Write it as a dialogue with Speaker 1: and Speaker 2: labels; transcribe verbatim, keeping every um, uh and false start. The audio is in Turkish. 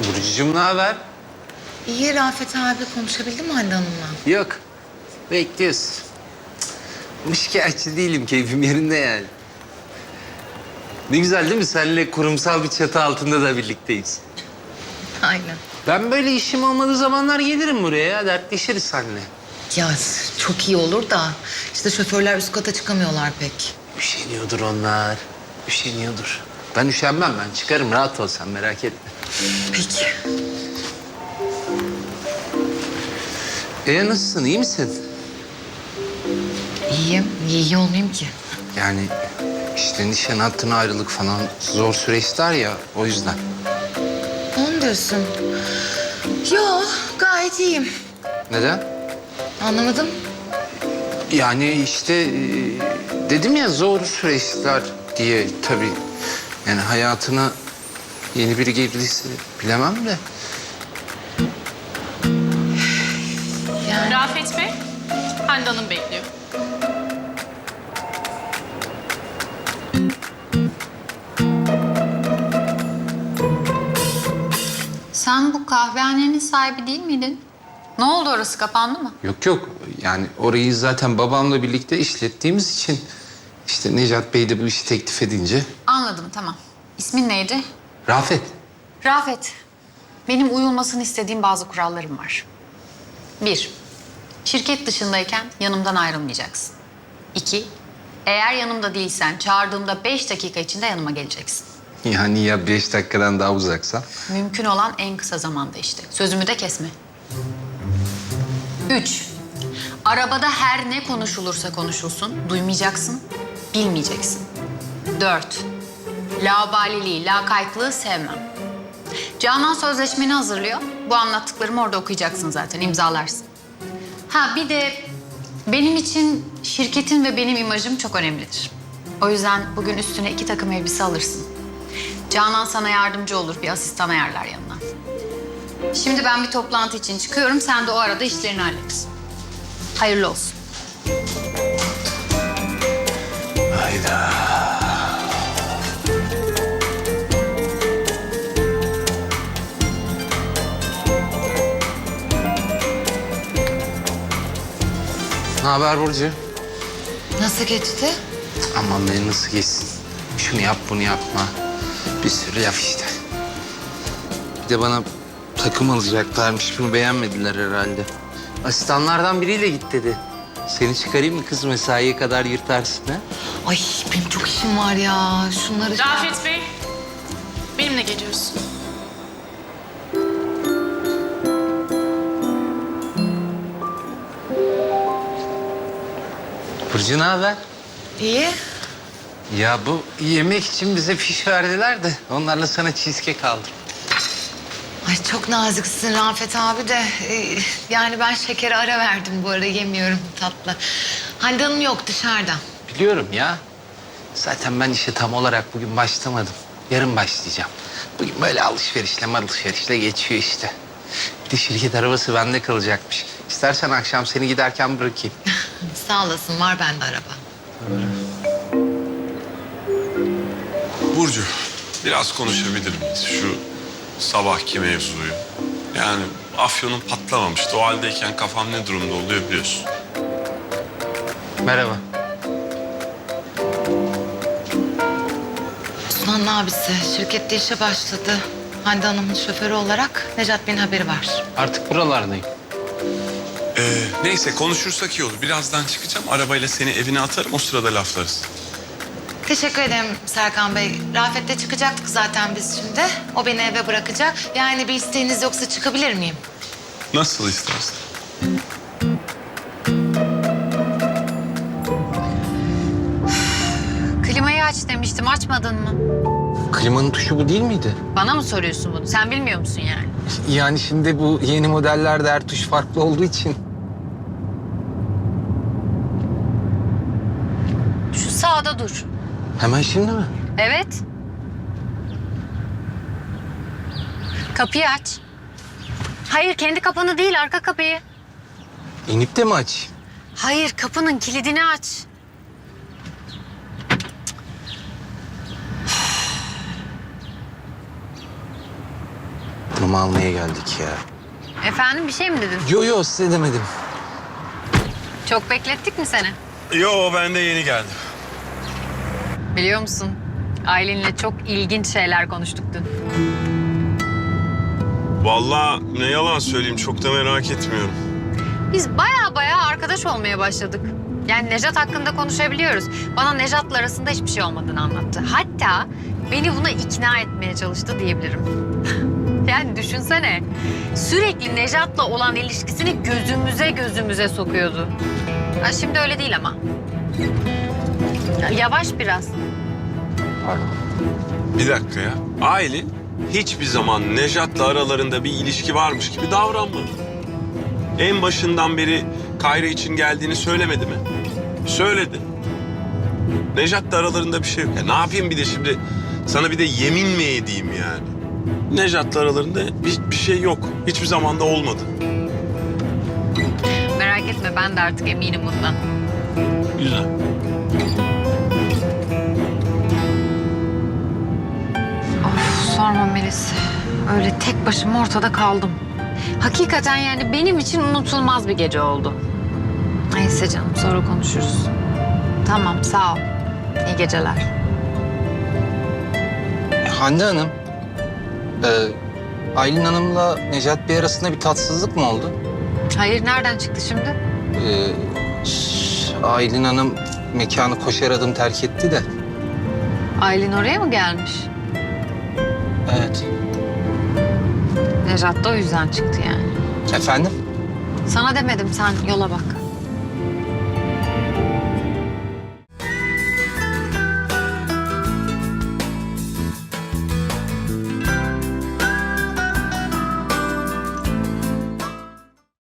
Speaker 1: Burcucuğum ne haber?
Speaker 2: İyi Rafet abi, konuşabildin mi Hande Hanım'la?
Speaker 1: Yok. Bekliyoruz. Cık, şikayetçi değilim. Keyfim yerinde yani. Ne güzel değil mi? Seninle kurumsal bir çatı altında da birlikteyiz.
Speaker 2: Aynen.
Speaker 1: Ben böyle işim olmadığı zamanlar gelirim buraya ya. Dertleşiriz seninle.
Speaker 2: Ya çok iyi olur da işte şoförler üst kata çıkamıyorlar pek.
Speaker 1: Üşeniyordur onlar. Üşeniyordur. Ben üşenmem ben. Çıkarım rahat ol sen merak etme.
Speaker 2: Peki.
Speaker 1: E nasılsın? İyi misin?
Speaker 2: İyiyim. Niye iyi olmayayım ki?
Speaker 1: Yani işte nişan hattına ayrılık falan zor süreçler ya o yüzden.
Speaker 2: Onu diyorsun. Yo, gayet iyiyim.
Speaker 1: Neden?
Speaker 2: Anlamadım.
Speaker 1: Yani işte e, dedim ya zor süreçler diye tabii. Yani hayatına yeni biri girdiyse bilemem de.
Speaker 2: Yani
Speaker 3: Rafet Bey, Hande Hanım bekliyor.
Speaker 4: Sen bu kahvehanenin sahibi değil miydin? Ne oldu, orası kapandı mı?
Speaker 1: Yok yok yani orayı zaten babamla birlikte işlettiğimiz için işte Necat Bey de bu işi teklif edince.
Speaker 4: Anladım, tamam. İsmin neydi?
Speaker 1: Rafet.
Speaker 4: Rafet. Benim uyulmasını istediğim bazı kurallarım var. Bir, şirket dışındayken yanımdan ayrılmayacaksın. İki, eğer yanımda değilsen çağırdığımda beş dakika içinde yanıma geleceksin.
Speaker 1: Yani ya beş dakikadan daha uzaksa?
Speaker 4: Mümkün olan en kısa zamanda işte. Sözümü de kesme. Üç, arabada her ne konuşulursa konuşulsun, duymayacaksın, bilmeyeceksin. Dört, laubaliliği, lakaytlığı sevmem. Canan sözleşmeni hazırlıyor. Bu anlattıklarımı orada okuyacaksın zaten, imzalarsın. Ha bir de benim için şirketin ve benim imajım çok önemlidir. O yüzden bugün üstüne iki takım elbise alırsın. Canan sana yardımcı olur, bir asistan ayarlar yanına. Şimdi ben bir toplantı için çıkıyorum, sen de o arada işlerini hallet. Hayırlı olsun.
Speaker 1: Hayda. Ne haber Burcu?
Speaker 2: nasıl geçti?
Speaker 1: Aman beni nasıl geçsin? Şunu yap bunu yapma. Bir sürü laf işte. Bir de bana takım alacaklarmış. Bunu beğenmediler herhalde. Asistanlardan biriyle git dedi. Seni çıkarayım mı kız, mesaiye kadar yırtarsın ha?
Speaker 2: Ay benim çok işim var ya. Şunları...
Speaker 3: Rafet Bey, benimle geliyorsun.
Speaker 1: Burcu ne haber?
Speaker 2: İyi.
Speaker 1: Ya bu yemek için bize fiş verdiler de onlarla sana cheesecake aldım.
Speaker 2: Ay çok naziksin Rafet abi de. Ee, yani ben şekere ara verdim bu ara, yemiyorum tatlı. Hande Hanım yok, dışarıda.
Speaker 1: Biliyorum ya. Zaten ben işe tam olarak bugün başlamadım. Yarın başlayacağım. Bugün böyle alışverişle alışverişle geçiyor işte. Bir de şirket arabası bende kalacakmış. İstersen akşam seni giderken bırakayım.
Speaker 2: Sağ olasın, var bende araba.
Speaker 5: Burcu, biraz konuşabilir miyiz şu sabahki mevzuyu? Yani afyonun patlamamıştı. O haldeyken kafam ne durumda oluyor biliyorsun.
Speaker 1: Merhaba.
Speaker 2: Sunan'ın abisi şirkette işe başladı. Hande Hanım'ın şoförü olarak Necat Bey'in haberi var.
Speaker 1: Artık buralardayım.
Speaker 5: Ee, neyse konuşursak iyi olur. Birazdan çıkacağım. Arabayla seni evine atarım. O sırada laflarız.
Speaker 2: Teşekkür ederim Serkan Bey. Rafet'le çıkacaktık zaten biz şimdi. O beni eve bırakacak. Yani bir isteğiniz yoksa çıkabilir miyim?
Speaker 5: Nasıl istersen.
Speaker 4: Klimayı aç demiştim, açmadın mı?
Speaker 1: Klimanın tuşu bu değil miydi?
Speaker 4: Bana mı soruyorsun bunu? Sen bilmiyor musun yani?
Speaker 1: Yani şimdi bu yeni modellerde her tuş farklı olduğu için.
Speaker 4: Şu sağda dur.
Speaker 1: Hemen şimdi mi?
Speaker 4: Evet. Kapıyı aç. Hayır, kendi kapını değil, arka kapıyı.
Speaker 1: İnip de mi açayım?
Speaker 4: Hayır, kapının kilidini aç.
Speaker 1: Bunu almaya geldik ya.
Speaker 4: Efendim bir şey mi dedin?
Speaker 1: Yo yo size demedim.
Speaker 4: Çok beklettik mi seni?
Speaker 5: Yo ben de yeni geldim.
Speaker 4: Biliyor musun? Aylin'le çok ilginç şeyler konuştuk dün.
Speaker 5: Vallahi ne yalan söyleyeyim çok da merak etmiyorum.
Speaker 4: Biz baya baya arkadaş olmaya başladık. Yani Nejat hakkında konuşabiliyoruz. Bana Nejat'la arasında hiçbir şey olmadığını anlattı. Hatta beni buna ikna etmeye çalıştı diyebilirim. Yani düşünsene. Sürekli Nejat'la olan ilişkisini gözümüze gözümüze sokuyordu. Ha, şimdi öyle değil ama. Ya, yavaş biraz.
Speaker 1: Pardon.
Speaker 5: Bir dakika ya. Aylin hiçbir zaman Nejat'la aralarında bir ilişki varmış gibi davranmadı. En başından beri Kayra için geldiğini söylemedi mi? Söyledi. Nejat'la aralarında bir şey yok. Ya ne yapayım bir de şimdi sana bir de yemin mi edeyim yani? Nejat'la aralarında bir, bir şey yok. Hiçbir zaman da olmadı.
Speaker 4: Merak etme ben de artık eminim bundan.
Speaker 5: Güzel.
Speaker 4: Of sorma Melis. Öyle tek başıma ortada kaldım. Hakikaten yani benim için unutulmaz bir gece oldu. Neyse canım sonra konuşuruz. Tamam sağ ol. İyi geceler.
Speaker 1: Hande Hanım. E, Aylin Hanım'la Necat Bey arasında bir tatsızlık mı oldu?
Speaker 4: Hayır nereden çıktı şimdi?
Speaker 1: E, ş- Aylin Hanım mekanı koşar adım terk etti de.
Speaker 4: Aylin oraya mı gelmiş?
Speaker 1: Evet.
Speaker 4: Nejat da o yüzden çıktı yani.
Speaker 1: Efendim?
Speaker 4: Sana demedim sen yola bak.